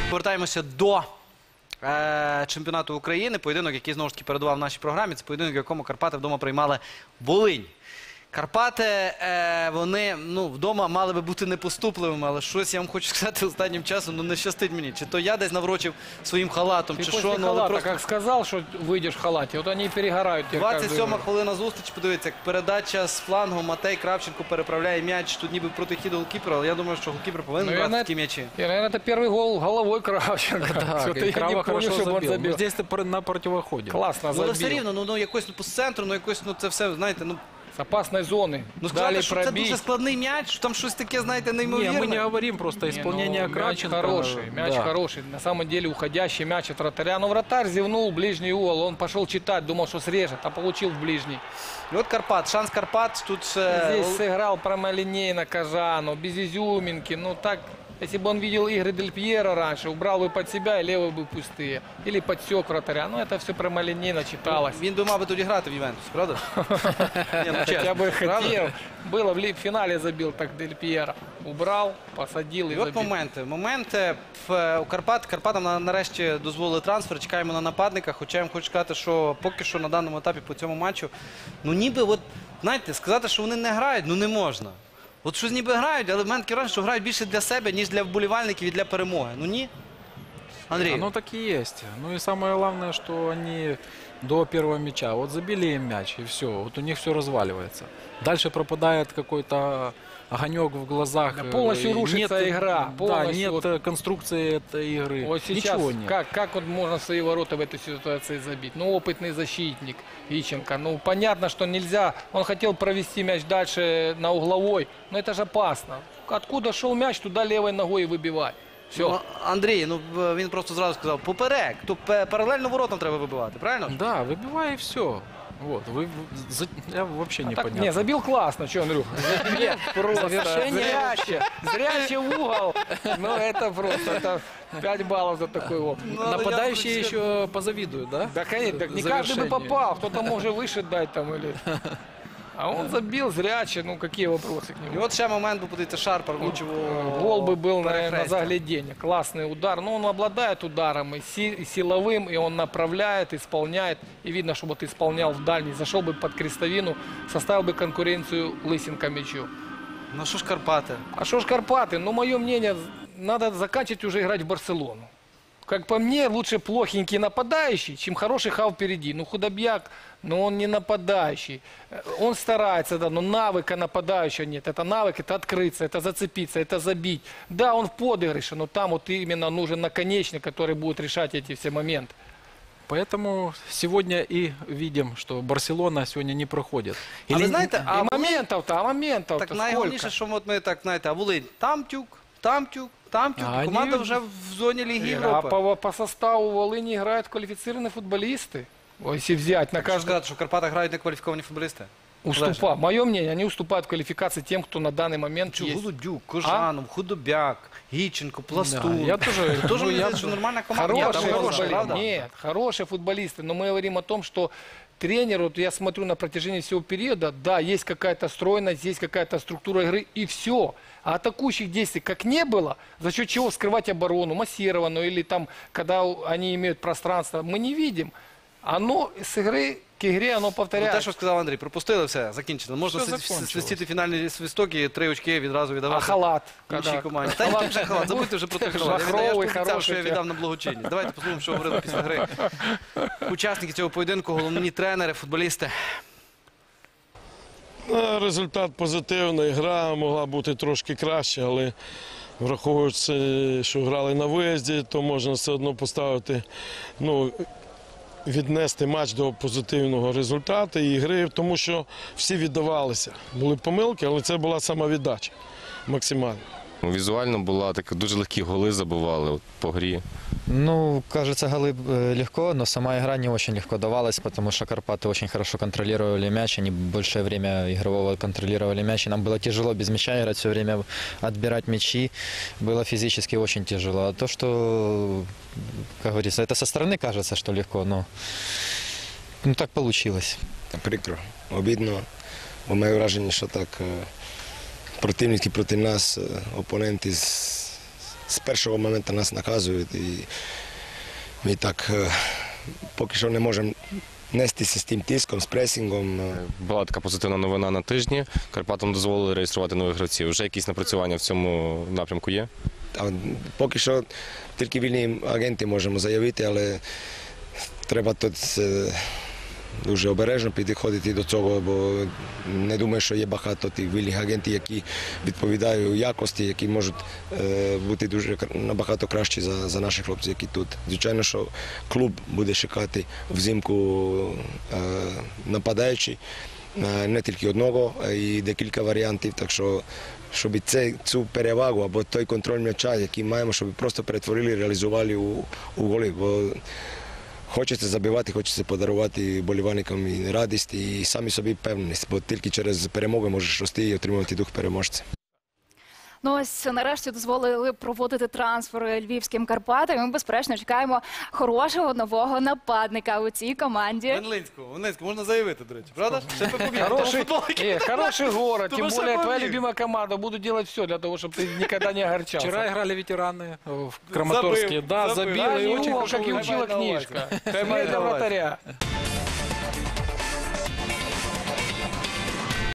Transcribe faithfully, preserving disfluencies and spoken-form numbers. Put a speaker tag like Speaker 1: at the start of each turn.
Speaker 1: Повертаємося до е, чемпіонату України. Поєдинок, який знову ж таки передував в нашій програмі. Це поєдинок, в якому Карпати вдома приймали Волинь. Карпати, е, вони ну, вдома мали би бути непоступливими, але щось я вам хочу сказати останнім часом, ну не щастить мені. Чи то я десь наврочив своїм халатом,
Speaker 2: Ты
Speaker 1: чи
Speaker 2: после
Speaker 1: що, ну але
Speaker 2: халата,
Speaker 1: просто...
Speaker 2: как сказал, что выйдешь в халате, вот они и перегорают. тебе
Speaker 1: двадцять сьома
Speaker 2: каждую-
Speaker 1: хвилина зустріч, подивіться, як передача з флангу, Матей Кравченко переправляє м'яч, тут ніби проти хіду голкіпера, але я думаю, що голкіпер повинен
Speaker 2: Ну,
Speaker 1: брати
Speaker 2: я
Speaker 1: такі м'ячі.
Speaker 2: И, наверное, это первый гол головой Кравченко.
Speaker 3: Да,
Speaker 2: Что-то я не
Speaker 3: Крава
Speaker 2: помню,
Speaker 3: хорошо
Speaker 2: чтобы он
Speaker 3: забил.
Speaker 2: забил.
Speaker 3: Но здесь ты на противоходе.
Speaker 2: Классно
Speaker 1: Ну, але все
Speaker 2: забил.
Speaker 1: рівно, ну, ну якось ну, по центру, ну якось, ну це все, знаєте, ну,
Speaker 2: С опасной зоны.
Speaker 1: ну сказати,
Speaker 2: Дали
Speaker 1: що це дуже
Speaker 2: пробить.
Speaker 1: складний м'яч, що там щось таке, знаєте,
Speaker 3: Не,
Speaker 1: неймовірне.
Speaker 3: мы не говорим просто
Speaker 2: Не,
Speaker 3: исполнение
Speaker 2: ну, мяч
Speaker 3: Кравченко.
Speaker 2: хороший, мяч
Speaker 3: Да.
Speaker 2: хороший. На самом деле уходящий мяч от вратаря. Но вратарь зевнул, ближний угол. Он пошел читать, думал, что срежет, а получил в ближний.
Speaker 1: І от Карпат, шанс Карпат, тут... е,
Speaker 2: Здесь сыграл прямолинейно Кажану, без изюминки. Ну так, если бы он видел игры Дель Пьеро раньше, убрал бы под себя, и левые бы пустые. Или подсек вратаря. Ну это все прямолинейно читалось.
Speaker 1: Він би мав би тоді грати в Ювентус, правда? Ні, ну,
Speaker 2: Я
Speaker 1: чесно,
Speaker 2: бы
Speaker 1: правда?
Speaker 2: хотел. Было в ли- в финале забил так Дель Пьеро. Убрал, посадил и
Speaker 1: І от
Speaker 2: забил.
Speaker 1: моменти. Моменти в, у Карпат. Карпатам на- нарешті дозволили трансфер. Чекаємо на нападника. Хоча я вам хочу сказати, що поки що на даному етапі по цьому матчу, ну ніби, от, знаєте, сказати, що вони не грають, ну не можна. От щось ніби грають, але в мене таке враження, що грають більше для себе, ніж для вболівальників і для перемоги. Ну ні? Андрій.
Speaker 3: Оно так и есть. Ну и самое главное, что они до первого мяча, вот забили им мяч и все, вот у них все разваливается. Дальше пропадает какой-то огонек в глазах.
Speaker 2: Да полностью
Speaker 3: э,
Speaker 2: рушится
Speaker 3: нет,
Speaker 2: игра,
Speaker 3: Да,
Speaker 2: полностью
Speaker 3: нет
Speaker 2: вот-
Speaker 3: э, конструкции этой игры.
Speaker 2: Вот сейчас,
Speaker 3: Ничего нет.
Speaker 2: как, как вот можно в свои ворота в этой ситуации забить? Ну, опытный защитник Иченко. Ну, понятно, что нельзя. Он хотел провести мяч дальше на угловой, но это же опасно. Откуда шел мяч, туда левой ногой и выбивать. Все.
Speaker 1: Ну, Андрій, ну в- він просто зразу сказав, поперек, то пе- паралельно воротам треба вибивати, правильно?
Speaker 3: Да, выбивай и все. Вот, вы, за- я вообще не
Speaker 2: Так,
Speaker 3: понял.
Speaker 2: не, забил классно, что, Андрюх? Нет, просто
Speaker 3: Завершение
Speaker 2: зряще, зряще в угол. Ну, это просто, это пять баллов за такой опыт.
Speaker 1: Ну, але я
Speaker 3: Нападающие
Speaker 1: хочу
Speaker 3: еще позавидуют, да?
Speaker 2: Да, конечно, так не каждый бы
Speaker 3: Завершение.
Speaker 2: попал, кто-то может выше дать там или... А он забил зряче, ну какие вопросы к
Speaker 1: І
Speaker 2: нему?
Speaker 1: от ще момент, бо подивіться, Шарпар влучив у
Speaker 2: Гол бы был, наверное, на
Speaker 1: перехрестя.
Speaker 2: загляденье. Классный удар. Но он обладает ударом и, си- и силовым, и он направляет, исполняет. И видно, что вот исполнял в дальний. Зашел бы под крестовину, составил бы конкуренцию Лысенко мячу.
Speaker 1: Ну що ж Карпати?
Speaker 2: А что ж Карпаты? Ну, мое мнение, надо заканчивать уже играть в Барселону. Как по мне, лучше плохенький нападающий, чем хороший хав впереди. Ну, Худобьяк, но он не нападающий. Э, Он старается, да, но навыка нападающего нет. Это навык, это открыться, это зацепиться, это забить. Да, он в подыгрыше, но там вот именно нужен наконечник, который будет решать эти все моменты.
Speaker 3: Поэтому сегодня и видим, что Барселона сегодня не проходит.
Speaker 1: А ви знаєте, а
Speaker 2: и
Speaker 1: Волинь-
Speaker 2: моментов-то, а моментов-то
Speaker 1: так найголовніше,
Speaker 2: сколько?
Speaker 1: що от ми так, знаєте, а Волинь, там тюк, там тюк, там тюк.
Speaker 3: А
Speaker 1: Команда
Speaker 3: вони-
Speaker 1: вже в зоні Ліги
Speaker 2: А
Speaker 1: Європи.
Speaker 2: по, по составу Волыни играют квалифицированные футболисты. Ой, если взять на
Speaker 1: Кажу
Speaker 2: каждого...
Speaker 1: сказати, що в Карпатах грають некваліфіковані футболісти.
Speaker 2: Уступа. Мое мнение, они уступают в квалификации тем, кто на данный момент
Speaker 1: Чу,
Speaker 2: есть.
Speaker 1: Голудюк, Кожанов, Худобяк, Гіченко, Пластун.
Speaker 3: Да, я тоже-
Speaker 1: Це теж
Speaker 3: ну,
Speaker 1: мені
Speaker 3: я-
Speaker 1: здається, що нормальна команда.
Speaker 2: Хорошие
Speaker 1: Там
Speaker 3: хорошие,
Speaker 1: хороша,
Speaker 2: футболисты.
Speaker 1: правда?
Speaker 2: Нет, хорошие футболисты. Но мы говорим о том, что тренер, вот я смотрю на протяжении всего периода, да, есть какая-то стройность, есть какая-то структура игры, и все. А атакующих действий как не было, за счет чего скрывать оборону, массированную, или там, когда у- они имеют пространство, мы не видим. Оно с игры к игре, оно
Speaker 1: Ну, те,
Speaker 2: повторяется.
Speaker 1: що сказав Андрій, пропустили все, закінчили. Можна
Speaker 3: Все
Speaker 1: свис-
Speaker 3: закончилось.
Speaker 1: свистіти фінальні свистоки, три очки відразу віддавати.
Speaker 2: А халат?
Speaker 1: Іншій
Speaker 2: Когда-
Speaker 1: команді. Та який вже халат, забудьте вже про той халат. Я віддав- Я ж
Speaker 2: Жахровий,
Speaker 1: пообіцяв, що
Speaker 2: хороший
Speaker 1: я віддав на благочинність. Давайте послухаємо, що говорили після гри. Учасники цього поєдинку, головні тренери, футболісти.
Speaker 4: Ну, результат позитивний. Гра могла бути трошки краще, але враховуючи, що грали на виїзді, то можна все одно поставити, ну, віднести матч до позитивного результату і гри, тому що всі віддавалися. Були помилки, але це була самовіддача максимальна.
Speaker 5: Візуально була така дуже легкі голи забивали от, по грі.
Speaker 6: Ну, кажется, голы э, легко, но сама игра не очень легко давалась, потому что Карпаты очень хорошо контролировали мяч, они большее время игрового контролировали мяч, и нам было тяжело без мяча играть, все время отбирать мячи, было физически очень тяжело. А то, что, как говорится, это со стороны кажется, что легко, но ну, так получилось.
Speaker 7: Прикро, обідно, бо маю враження, що так е, противники проти нас, е, опоненти з з першого моменту нас наказують. І ми так е, поки що не можемо нестися з тим тиском, з пресингом.
Speaker 5: Була така позитивна новина на тижні. Карпатам дозволили реєструвати нових гравців. Вже якісь напрацювання в цьому напрямку є?
Speaker 7: А поки що тільки вільні агенти можемо заявити, але треба тут е, дуже обережно підходити до цього, бо не думаю, що є багато тих вільних агентів, які відповідають у якості, які можуть е, бути дуже набагато кращі за, за наших хлопців, які тут. Звичайно, що клуб буде шукати взимку е, нападаючий, е, не тільки одного, а й декілька варіантів, так що щоб це, цю перевагу або той контроль м'яча, який маємо, щоб просто перетворили, реалізували у, у голи. Бо хочеться забивати, хочеться подарувати болівальникам і радість, і самі собі впевненість, бо тільки через перемоги можеш рости і отримувати дух переможця.
Speaker 8: Ну ось нарешті дозволили проводити трансфери львівським Карпатам. Ми, безперечно, чекаємо хорошого нового нападника у цій команді.
Speaker 1: Венлинську, Венлинську можна заявити, до речі, правда? Ще би побігли.
Speaker 2: Хороший,
Speaker 1: Футболки.
Speaker 2: э, хороший город,
Speaker 1: Ты
Speaker 2: тем
Speaker 1: бы
Speaker 2: более
Speaker 1: сам
Speaker 2: твоя
Speaker 1: побил.
Speaker 2: любимая команда. Буду делать все для того, чтобы ты никогда не огорчался.
Speaker 3: Вчера играли ветераны в Краматорске.
Speaker 1: Забыл,
Speaker 3: Да,
Speaker 1: забыл.
Speaker 3: забил
Speaker 2: Да,
Speaker 3: и
Speaker 2: не
Speaker 3: очень
Speaker 2: его,
Speaker 3: хорошо
Speaker 2: как и
Speaker 3: выиграл.
Speaker 2: учила
Speaker 1: Хай має на увазі.
Speaker 2: книжка.
Speaker 1: Хай має
Speaker 2: Для
Speaker 1: на увазі.
Speaker 2: вратаря.